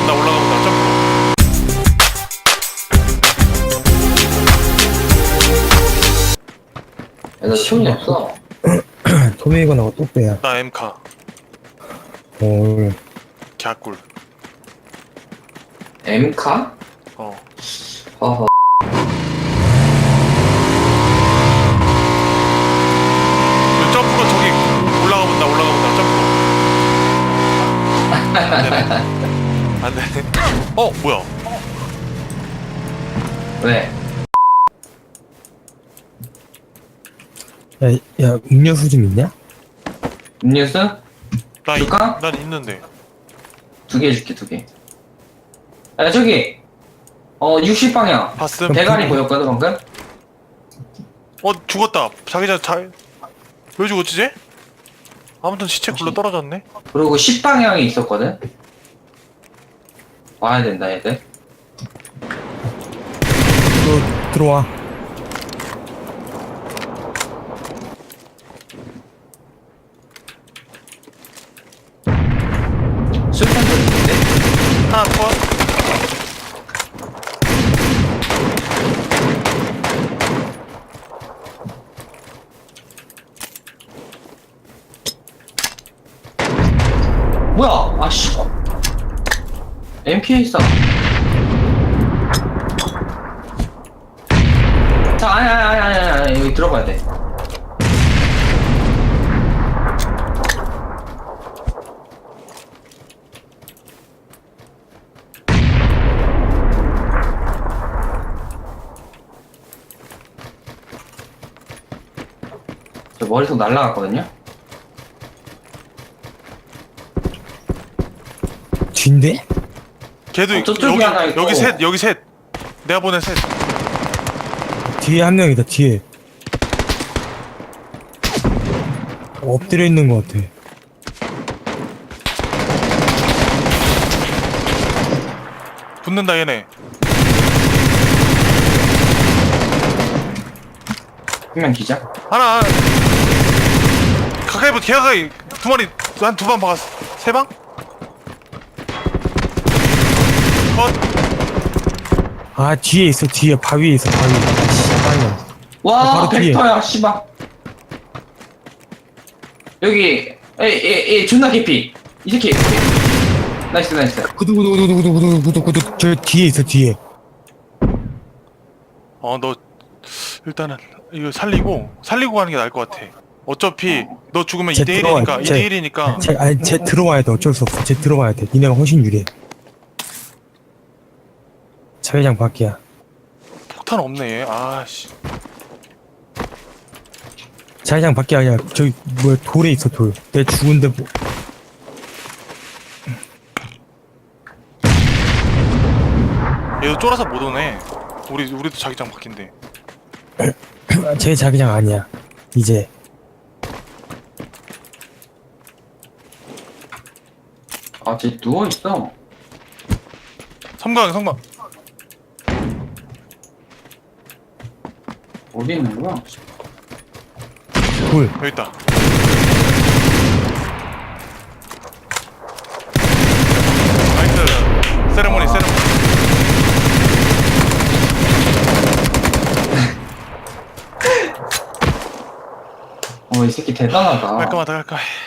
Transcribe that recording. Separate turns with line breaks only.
올라가본다. 점프.
야, 나 총이 없어.
토메이건하고 또 빼야.
나 M카.
오,
갸꿀.
M카?
어.
허허.
그 점프로 저기 올라가본다. 점프. 안 되네. 어, 뭐야?
왜?
야, 음료수 좀 있냐?
음료수?
나
줄까?
난 있는데.
2개 줄게, 2개. 야, 저기! 60방향.
봤음?
대가리 보였거든, 방금?
죽었다. 왜 죽었지, 쟤? 아무튼 시체 굴러 떨어졌네.
그리고 10방향이 있었거든? 와야 된다, 얘들.
너 들어와.
술탄 돌리는데?
하나 컷.
뭐야? 아씨. MPA 있어. 자, 아니, 여기 들어가야 돼. 저 머릿속 날라갔거든요?
뒤인데?
걔도
저쪽에 하나 있고.
여기 셋. 내가 보낸 셋.
뒤에 한 명이다, 뒤에. 엎드려 있는 것 같아.
붙는다 얘네.
한 명 기자?
하나. 가까이 개 가까이. 두 마리 한 두 방 박았어. 세 방? 컷.
아, 뒤에 있어, 뒤에. 바위에 있어, 바위. 씨발이야.
와,
바로 뒤에.
벡터야, 씨발. 여기, 에이, 존나 개피. 이 새끼. 나이스.
구두구두구두구두구두구두구두구. 저 뒤에 있어, 뒤에.
너 일단은 이거 살리고 가는 게 나을 것 같아. 어차피 너 죽으면
쟤
2대1이니까
들어와,
2대1이니까
쟤 들어와야 돼. 어쩔 수 없어. 쟤 들어와야 돼. 니네가 훨씬 유리해. 자회장 밖이야.
폭탄 없네 얘. 아씨.
자회장 밖이 아니야. 저기 뭐야, 돌에 있어, 돌. 내 죽은데 뭐.
얘도 쫄아서 못 오네. 우리도 자기장 바뀐대.
제 자기장 아니야. 이제.
아, 쟤 누워있어.
섬광.
어디 있는 거야?
돌.
여기 있다. 나이스. 세레모니.
이 새끼 대단하다.
깔끔하다.